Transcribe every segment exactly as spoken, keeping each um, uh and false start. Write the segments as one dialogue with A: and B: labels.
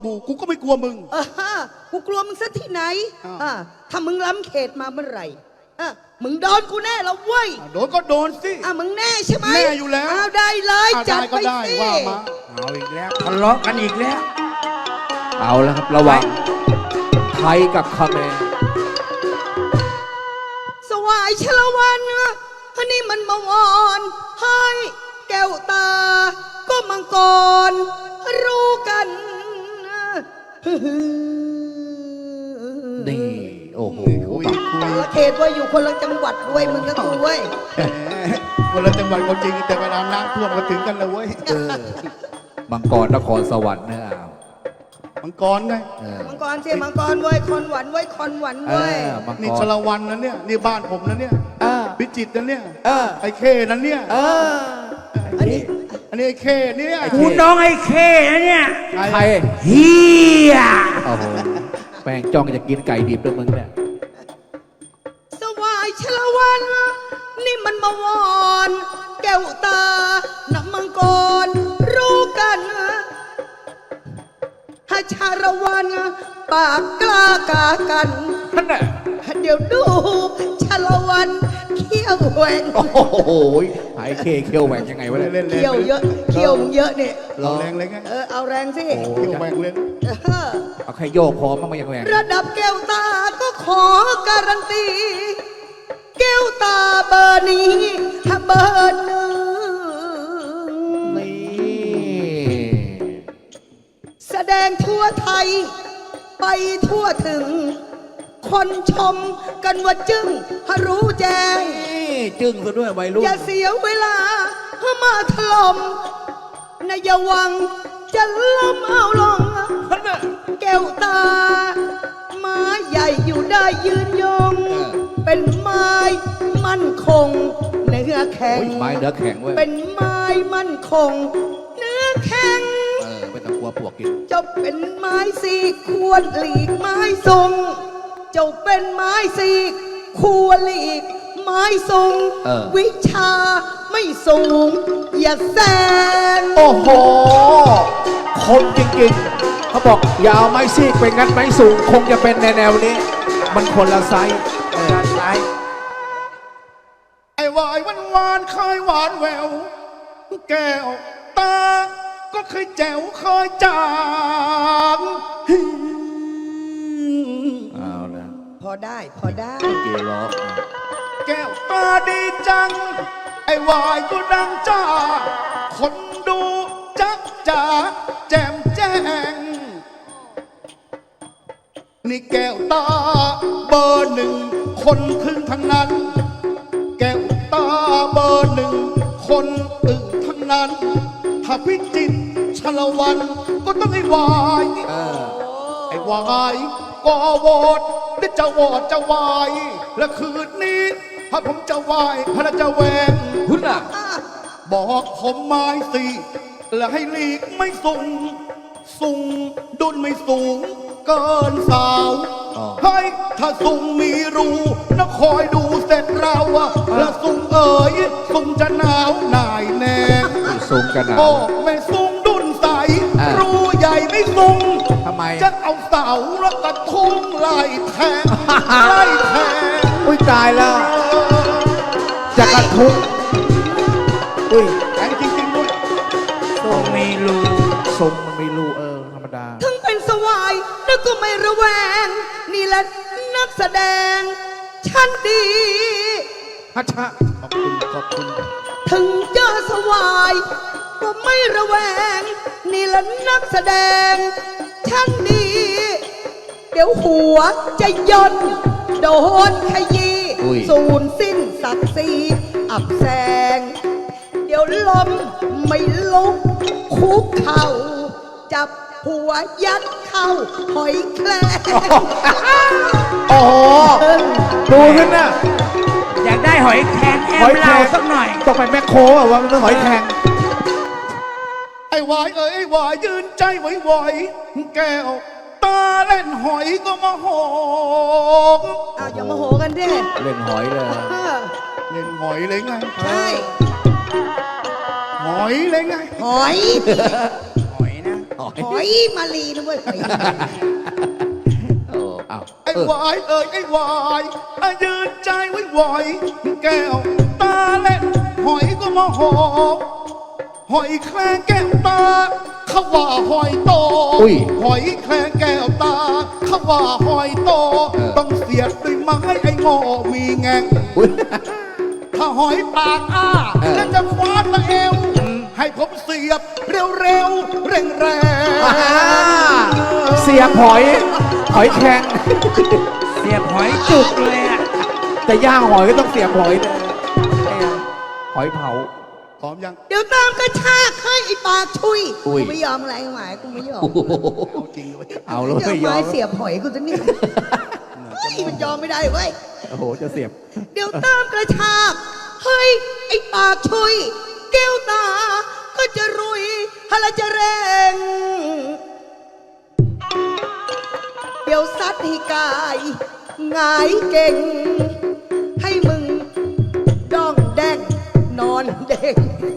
A: กูกูก็ไม่กลัวมึง
B: เออกูกลัวมึงซะที่ไหน
A: อ้าว
B: อ่าถ้ามึงล้ำเขตมาเมื่อไหร่อ่ะมึงโดนกูแน่แล้วเว้ย
A: อ่ะโดนก็โดนสิ
B: อ่ะมึงแน่ใช่ไหม
A: แน่อยู่แล้ว
B: เอาได้เลย
A: อ่ะ
B: จัด
A: ได้ก็
B: ไป
A: ได้
B: สิ
A: ว่ามา
C: เอาอีกแล้วทะเลาะกันอีกแล้ว
D: เอาแล้วครับระหว่างไทยกับคาเขมร
B: สวายชลวันอันนี้มันมาวอนให้แก้วตา ก็มังกรรู้กัน
D: นี่โอ้โห
A: คุยคุ
B: คน
A: ย
B: ละเขตว่าอยู่คนละจังหวัดด้วยมึงก็กูเว้ย
A: แหมคนละจังหวัดก็จริงแต่เวลาน้ำท่วมก็ถึงกันเลยเว้ย
D: เออมังกรนครสวรรค์นะเอา
A: มังกรไง
D: เออ
B: มังกรเสียมังกรเว้ยคอนหวันเว้ยคอนหวัน
D: เอ
B: เว้ย
D: อมัง
A: นี่
D: ก
A: ช
D: ร
A: ลวันนะเนี่ยนี่บ้านผมนะเนี่ย
D: เออ
A: พิจิตรนะเนี่ย
D: เออ
A: ไอ้เคนั่นเนี่ย
D: เออ
B: อันนี้
A: อันนี้ไอ้เคเนี่ย
D: ไอ้เค
C: กูน้องไอ้เคนะเนี่ย
D: ใคร
C: เฮีย
D: โอ้โหแม่งจ้องจะกินไก่ดิบด้วยมึงเนี่ย
B: สวายชลวัน นี่มันมาวอนแก้วตาน้ำมังกรรู้กันถ้าชาละวันปากกล้ากากัน
D: ท่านน่ะ
B: เดี๋ยวดูชาละวันเขี้ยวแหวง
D: โอ้โหไอ้เคเคียวแหวกยังไงวะ
A: เล่
D: เนี่ย
A: นเล่น
B: เขี้ยวเยอะเขี้ยวมึงเยอะเนี่ย
A: เราแรงเลยไง
B: เออเอาแรงสิ
D: โอ้
A: เที่ยวแหวงเลย
B: เออ
D: เอาแค่โยกพอมั้งมันยังแหวก
B: ระดับแก้วตาก็ขอการันตี แก้วตาเบอร์นี้ถ้าเบอร์หนึ่ง
D: นี่
B: แสดงทั่วไทย ไปทั่วถึง คนชมกันว่าจึ้งถ้ารู้แจ้ง
D: นี่จึ้งซะด้วยวัยรุ่น
B: อย่าเสียเวลาเพื่อมาถล่มนายาวังจะล้มเอาลง
D: ท่านน่ะ
B: แก้วตา ไม้ใหญ่อยู่ได้ยืนยง
D: เออ
B: เป็นไม้มั่นคง เนื้อแข็ง
D: โอ้ยไม้เนื้อแข็งเว้ย
B: เป็นไม้มั่นคง เนื้อแข็ง
D: เออไม่ต้องกลัวปวกกิน
B: เจ้าเป็นไม้สีกควรหลีกไม้ทรงเจ้าเป็นไม้สีกควรหลีกไม้ทรง
D: เออ
B: วิชาไม่สูง อย่าแซง
D: โอ้โหคมจริงๆเขาบอกอย่าเอาไม้ซีกไปงัดไม้สูง คงจะเป็นแนวๆนี้ มันคนละไซส์เออไซส์
A: ไอ้วายหวานหวานเคยหวานแววแก้วตา ก็เคยแจ๋วเคยจาง
D: เอาละ
B: พอได้พอได้
D: เกล้อ
A: แก้วตาดีจัง ไอ้วายก็ดังจ้า คนดูจักจ๋าแจ่มแจ้ง นี่แก้วตาเบอร์หนึ่งคนถึงทั้งนั้น แก้วตาเบอร์หนึ่งคนอึ่งทั้งนั้น ถ้าพิจิตรชลวันก็ต้องไอ้วาย
D: เออ
A: ไอ้วายก็วอดได้จะวอดจะวาย และคืนนี้ถ้าผมจะวายถ้าจะแหวง
D: คุณน่ะ
A: บอกผมไม้สิและให้ลีกไม่สูง สูงดุนไม่สูง เกินสาว
D: อ๋อ
A: ให้ถ้าสูงมีรูนะคอยดูเสร็จเราอะและสูงเอ๋ยสูงจะหนาวหน่ายแน่
D: สูงกันหนา
A: โอ้
D: ว
A: ไม่สูงดุนใส
D: อ่า
A: รูใหญ่ไม่สูง
D: ทำไม
A: จะเอาเสาแล้วกระทุ้งไล่แทง ไล่แทง
D: อุ้ยตายแล้ว จะกระทุ้งอุ้ย
A: แทงจริงๆด้วย
C: ตรงมีรู
D: ทรงมันไม่รู้เออธรรมดา
B: ถึงเป็นสวายแล้วก็ไม่ระแวง นี่แหละนักแสดงชั้นดี
D: ฮัชชะ
A: ขอบคุณขอบคุณ
B: ถึงเจอสวายก็ไม่ระแวง นี่แหละนักแสดงชั้นดี เดี๋ยวหัวจะย่นโดนขยี้
D: อุ้ย
B: สูญสิ้นศักดิ์ศรีอับแสง เดี๋ยวล้มไม่ลุกคุกเข่า จับหัวยัดเข้าหอยแครง
D: โอ้โห ดูขึ้นน่ะ
C: อยากได้หอยแครงแอ
D: หอ
C: ม
D: ยแคร
C: เรา
D: ง
C: สักหน่อย
D: ต้องไปแมคโครอ่ะว่ามันต้องหอยแครง
A: ไอ้วายเอ้ยไอ้วายยืนใจไหวๆแก้วตาเล่นหอยก็มาหอม
B: อ้าวอย่ามาโหกันดิ
D: เล่นหอยเลย
B: เออ
A: เล่นหอยเลยไง
B: ใช่
A: หอยเลยไง
B: หอย
C: หอยนะ
D: หอย
B: หอยมาลีนะเว้ยหอย
D: โอ้เอา
A: ไอ้
D: เออ
A: วายเอ่ยไอ้วายอายืนใจไว้ไหวแก้วตาเล่นหอยก็มาหอหอยแครงแก้วตาเขาว่าหอยโต
D: อุ้ย
A: หอยแครงแก้วตาเขาว่าหอยโต
D: เออ
A: ต้องเสียดด้วยไม้ไอ้โง่มีแงง
D: อุ๊ย
A: ถ้าหอยปากอ้า
D: เออ
A: แล้วจะคว้าตะเอว ให้ผมเสียบเร็วๆเร่งแรง
D: อ่าเสียบหอย หอยแข็ง
C: เสียบหอยจุกเลยอ่ะ
D: จะย่างหอยก็ต้องเสียบหอยเลยหอยเผา
A: พร้อมยัง
B: เดี๋ยวตามกระชากให้ไอ้ปากชุย
D: อุ้ย
B: กูไม่ยอมอะไรหมายกูไม่ยอม
A: เอาจริงเลย
D: เอาแล้ว
B: เดี๋ยว
D: ไม่ยอ
B: ไม้
D: ม
B: เสียบหอยกูจะนี่เฮ้ยมันยอมไม่ได้เว้ย
D: โอ้โห จะเสียบ
B: เดี๋ยวตามกระชากเฮ้ยไอ้ปากชุยแก้วตา ก็จะรุยฮะละจะแรงเดี๋ยวซัดให้กายหงายเก่ง ให้มึงด้องแดงนอนเด้ง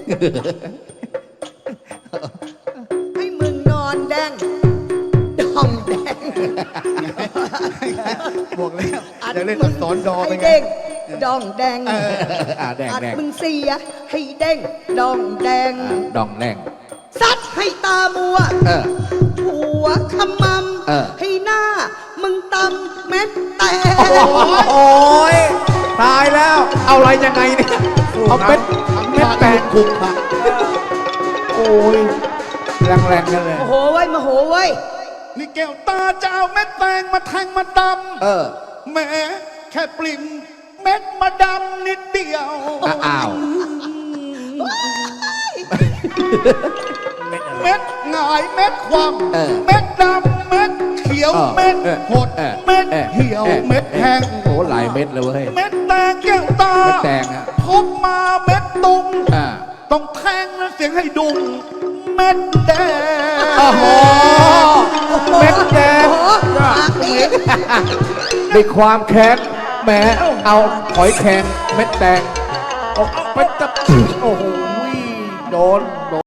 B: ให้มึงนอนแดงด้องแดง
A: บอกแล้วอยากเล่นอักษรดอ
B: ให้
A: เป็นไง
B: เด้งดองแดง
D: อ่าแดง
B: อัด
D: แดง
B: มึงเสียให้เด้งดองแดง
D: อ่าดองแดง
B: ซัดให้ตามัว
D: เออ
B: หัวขม
D: เออ
B: ำให้หน้า มึงตำเม็ดแตก
D: โอ้ยตายแล้ว เอาอะไรยังไงเนี่ย เอาเป็น
A: ทำ
D: เม็ด
A: ท่า
D: แต
A: แต
D: ก
A: กคุกค่ะ
D: โอ้ย แรงๆกันเลย
B: โมโหไว้ยโมโหไว้ย
A: นี่แก้วตาจะเอาเม็ดแตงมาแทงมาด
D: เออ
A: ำแหม้แค่ปลิ่มเม็ดมาดำนิดเดียว
D: อ่ะอ้าว
A: เม็ดหงายเม็ดความ
D: เออ
A: เม็ดดำเม็ดเขียว
D: เออ
A: เม็ด
D: เออ
A: หด
D: เออ
A: เม็ด
D: ออ
A: เหี่ยว
D: ออ
A: เม็ดแห้ง
D: โอ้โหหลายเม็ดเลยเว้ย
A: เม็ดแตงแก้วตา
D: เม็ดแตงอะ
A: พบมาเม็ดตุง
D: อ่า
A: ต้องแทงแล้วเสียงให้ดุงเม็ดแดง
D: โอ้โห เม็ดแดง
B: โอ้โหปากดี
D: ด้วยความแค้นแหมเอาหอยแข็งเม็ดแตงโอ้เป็นตะโอ้โหโดนโดน